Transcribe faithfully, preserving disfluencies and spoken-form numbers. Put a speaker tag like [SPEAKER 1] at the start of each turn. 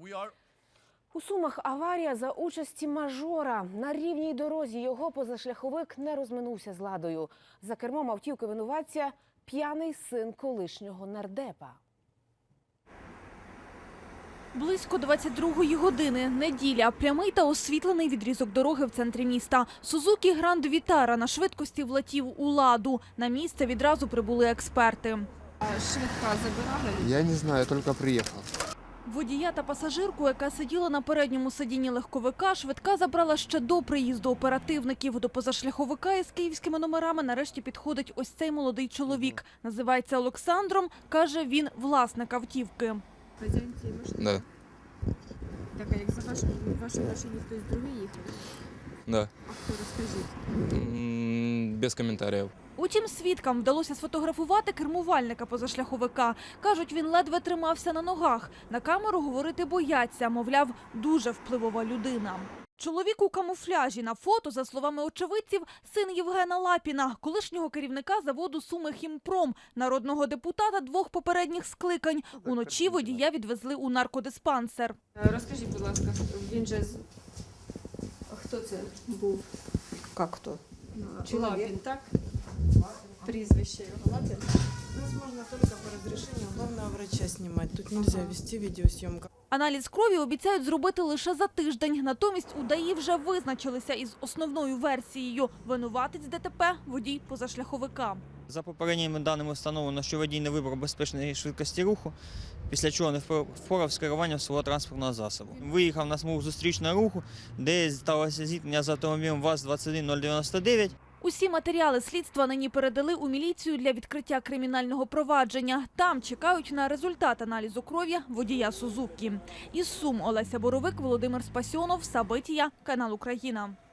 [SPEAKER 1] У Сумах аварія за участі мажора. На рівній дорозі його позашляховик не розминувся з ладою. За кермом автівки винуватця п'яний син колишнього нардепа.
[SPEAKER 2] Близько двадцять другої години, неділя, прямий та освітлений відрізок дороги в центрі міста. Сузукі Гранд Вітара на швидкості влетів у ладу. На місце відразу прибули експерти.
[SPEAKER 3] Швидка забирали?
[SPEAKER 4] Я не знаю, тільки приїхав.
[SPEAKER 2] Водія та пасажирку, яка сиділа на передньому сидінні легковика, швидка забрала ще до приїзду оперативників. До позашляховика із київськими номерами нарешті підходить ось цей молодий чоловік. Називається Олександром, каже, він власник автівки.
[SPEAKER 3] Хазяїн цієї машини?
[SPEAKER 5] Да.
[SPEAKER 3] Так, а як за вашу, в вашій машині хтось другий їхав?
[SPEAKER 5] Да.
[SPEAKER 3] А хто, розкажіть?
[SPEAKER 5] М, Без коментарів.
[SPEAKER 2] Утім, свідкам вдалося сфотографувати кермувальника позашляховика. Кажуть, він ледве тримався на ногах. На камеру говорити бояться, мовляв, дуже впливова людина. Чоловік у камуфляжі на фото, за словами очевидців, син Євгена Лапіна, колишнього керівника заводу «Суми Хімпром», народного депутата двох попередніх скликань. Уночі водія відвезли у наркодиспансер.
[SPEAKER 3] Розкажіть, будь ласка, він же... з- Хто це був?
[SPEAKER 6] Как кто?
[SPEAKER 3] Лапін, так? Прізвище його Лапін?
[SPEAKER 7] Нас можно только по разрешению главного врача снимать. Тут нельзя вести видеосъемку.
[SPEAKER 2] Аналіз крові обіцяють зробити лише за тиждень. Натомість у ДАІ вже визначилися із основною версією. Винуватець ДТП – водій позашляховика.
[SPEAKER 8] За попередніми даними встановлено, що водій не вибрав безпечної швидкості руху, після чого не впорав з керуванням свого транспортного засобу. Виїхав на смугу зустрічного руху, де сталося зіткнення з автомобілем ВАЗ двадцять один нуль дев'яносто дев'ять.
[SPEAKER 2] Усі матеріали слідства нині передали у міліцію для відкриття кримінального провадження. Там чекають на результат аналізу крові водія Сузукі. Із Сум Олеся Боровик, Володимир Спасьонов, Сабитія, канал Україна.